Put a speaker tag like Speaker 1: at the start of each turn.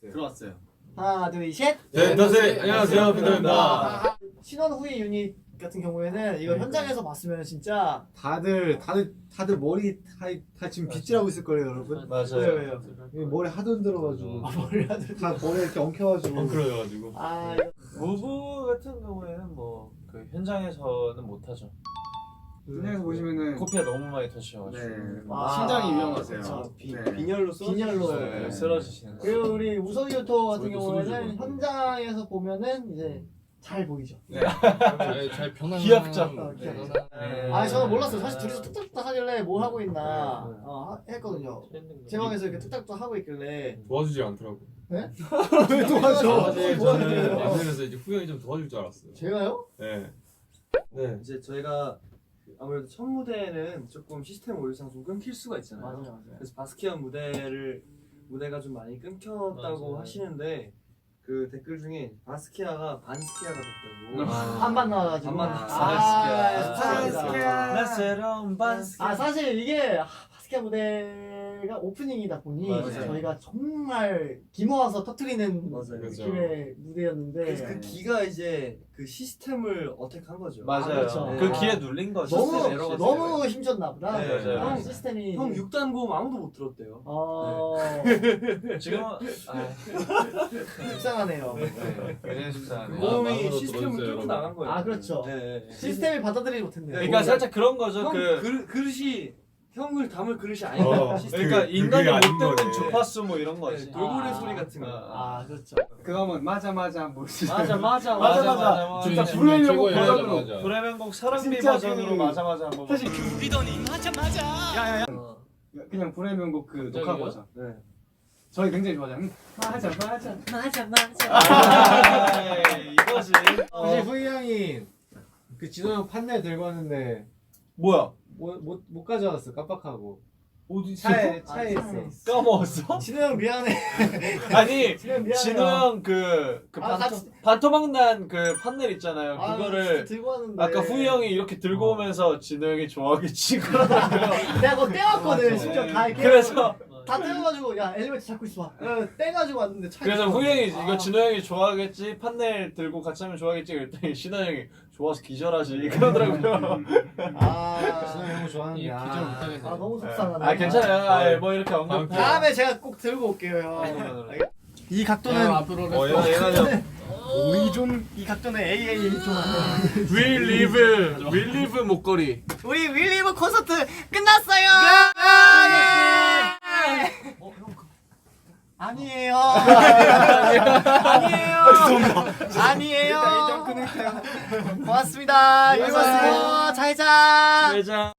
Speaker 1: 들어왔어요.
Speaker 2: 하나 둘 셋.
Speaker 3: 네, 안녕하세요, 빈터입니다.
Speaker 2: 신원 후이 유닛 같은 경우에는 이거 현장에서 봤으면 진짜
Speaker 4: 다들 머리 다 지금 빗질하고 있을 거예요, 여러분.
Speaker 3: 맞아요.
Speaker 4: 왜요? 머리 하도 흔들어가지고
Speaker 2: 머리 하들
Speaker 4: 다 머리 이렇게 엉켜가지고.
Speaker 3: 그래가지고.
Speaker 2: 아
Speaker 3: 무브 같은 경우에는 뭐 그 현장에서는 못하죠.
Speaker 4: 현장에서 보시면은
Speaker 3: 코피가 너무 많이 터치셔가지고.
Speaker 4: 네.
Speaker 2: 아,
Speaker 1: 심장이 위험하세요.
Speaker 2: 그쵸.
Speaker 4: 네.
Speaker 1: 빈혈로
Speaker 2: 빈혈로.
Speaker 3: 네, 쓰러지시는 거.
Speaker 2: 그리고 우리 우석이 유토 같은
Speaker 3: 저희도
Speaker 2: 경우에는
Speaker 3: 소리
Speaker 2: 현장에서 보면은 이제 잘 보이죠.
Speaker 5: 잘 편안한
Speaker 3: 귀엽죠?
Speaker 2: 귀엽죠.
Speaker 3: 네.
Speaker 2: 아 저는 몰랐어요. 사실 둘이서 뚝딱뚝딱 하길래 뭘 하고 있나 했거든요. 제 방에서 이렇게 뚝딱뚝딱 하고 있길래
Speaker 5: 도와주지 않더라고.
Speaker 2: 네?
Speaker 4: 왜 도와줘?
Speaker 5: 사실
Speaker 2: 도와줘요.
Speaker 5: 저는 방송에서 이제 후영이 좀 도와줄 줄 알았어요.
Speaker 2: 제가요?
Speaker 5: 네.
Speaker 3: 네.
Speaker 1: 이제 저희가 아무래도 첫 무대는 조금 시스템 오류상 좀 끊길 수가 있잖아요.
Speaker 2: 맞아요.
Speaker 1: 그래서 바스키안 무대가 좀 많이 끊겼다고
Speaker 3: 맞아요.
Speaker 1: 하시는데 그 댓글 중에 바스키아가 반스키아가 됐다고.
Speaker 2: 한반 나와가지고.
Speaker 1: 반반
Speaker 2: 죄송합니다.
Speaker 3: 나 새로운 반스.
Speaker 2: 아 사실 이게 바스켓 무대가 오프닝이다 보니
Speaker 1: 맞아요.
Speaker 2: 저희가 정말 기모아서 터트리는
Speaker 1: 맞아요.
Speaker 2: 느낌의 무대였는데
Speaker 1: 그래서 그 기가 이제 그 시스템을 어택한 거죠.
Speaker 3: 맞아요.
Speaker 2: 그렇죠.
Speaker 3: 그
Speaker 1: 네.
Speaker 3: 기에 눌린 거죠.
Speaker 2: 너무
Speaker 1: 시스템 에러가
Speaker 2: 너무 힘줬나 보다.
Speaker 1: 네,
Speaker 3: 맞아요.
Speaker 2: 형 시스템이
Speaker 1: 형 6단 고음 아무도 못 들었대요.
Speaker 3: 지금
Speaker 2: 속상하네요.
Speaker 3: 굉장히 속상하네.
Speaker 1: 고음이
Speaker 5: 마음으로
Speaker 1: 시스템을
Speaker 5: 들어주세요,
Speaker 1: 뚫고
Speaker 5: 여러분.
Speaker 1: 나간 거예요.
Speaker 2: 아 그렇죠.
Speaker 1: 네.
Speaker 2: 시스템이 받아들이지 못했네요.
Speaker 3: 그러니까 살짝 그런 거죠.
Speaker 1: 형
Speaker 3: 그
Speaker 1: 그릇이 형을 담을 그릇이 아니다. 시스템.
Speaker 3: 그러니까 인간이
Speaker 5: 그게
Speaker 3: 못
Speaker 5: 아닌
Speaker 3: 듣는
Speaker 5: 거네.
Speaker 3: 주파수 뭐 이런 거지.
Speaker 1: 네, 돌고래
Speaker 2: 아.
Speaker 1: 소리 같은 거.
Speaker 2: 아 그렇죠.
Speaker 4: 그거면 맞아 뭐.
Speaker 3: 맞아.
Speaker 4: 진짜
Speaker 5: 지금
Speaker 4: 불회명곡
Speaker 5: 최고의
Speaker 4: 버전으로.
Speaker 5: 맞아.
Speaker 3: 브레멘곡 사랑비
Speaker 4: 진짜
Speaker 3: 버전으로
Speaker 4: 그-
Speaker 3: 맞아 한번.
Speaker 4: 사실
Speaker 1: 어.
Speaker 4: 그냥 불회명곡 그 녹화 버전.
Speaker 1: 네.
Speaker 4: 저희 굉장히 좋아하잖아요. 맞아.
Speaker 3: 이거지.
Speaker 4: 사실 후이 형이 그 진호 형 판넬 들고 왔는데
Speaker 3: 뭐야?
Speaker 4: 못 가져왔어, 깜빡하고.
Speaker 3: 어디
Speaker 4: 차에
Speaker 2: 차에
Speaker 4: 있어.
Speaker 3: 까먹었어?
Speaker 2: 진우 형 미안해.
Speaker 3: 아니
Speaker 2: 진우 형 미안해요.
Speaker 3: 진우 형 그
Speaker 2: 아, 같이-
Speaker 3: 반토막난 그 판넬 있잖아요.
Speaker 2: 아,
Speaker 3: 그거를
Speaker 2: 들고 왔는데.
Speaker 3: 아까 후이 형이 이렇게 들고 오면서 진우 형이 좋아하겠지 그러더라고요.
Speaker 2: 내가 그거 떼왔거든.
Speaker 4: 맞아.
Speaker 2: 심지어 다 이렇게.
Speaker 3: 그래서
Speaker 2: 다 떼어가지고 야 엘리베이터 잡고 있어 봐. 떼가지고 왔는데 차에
Speaker 3: 그래서
Speaker 2: 있어.
Speaker 3: 후이 형이 이거
Speaker 2: 아.
Speaker 3: 진우 형이 좋아하겠지 판넬 들고 같이 하면 좋아하겠지 그랬더니 신호 형이 좋아서 기절하지 그러더라고요.
Speaker 2: 아,
Speaker 4: 진호 형 좋아하는데.
Speaker 5: 기절 못하겠네.
Speaker 2: 아 너무 속상하네.
Speaker 3: 아 괜찮아요. 아, 뭐 이렇게 언급.
Speaker 2: 다음에 제가 꼭 들고 올게요 형. 이 각도는
Speaker 5: 앞으로
Speaker 2: 이 각도는 AA 좀 하네.
Speaker 3: We live 목걸이.
Speaker 2: 우리 윌리브 콘서트 끝났어요. 아니에요. 아니에요. 고맙습니다.
Speaker 3: 네,
Speaker 2: 이거 잘 자.
Speaker 3: 회장.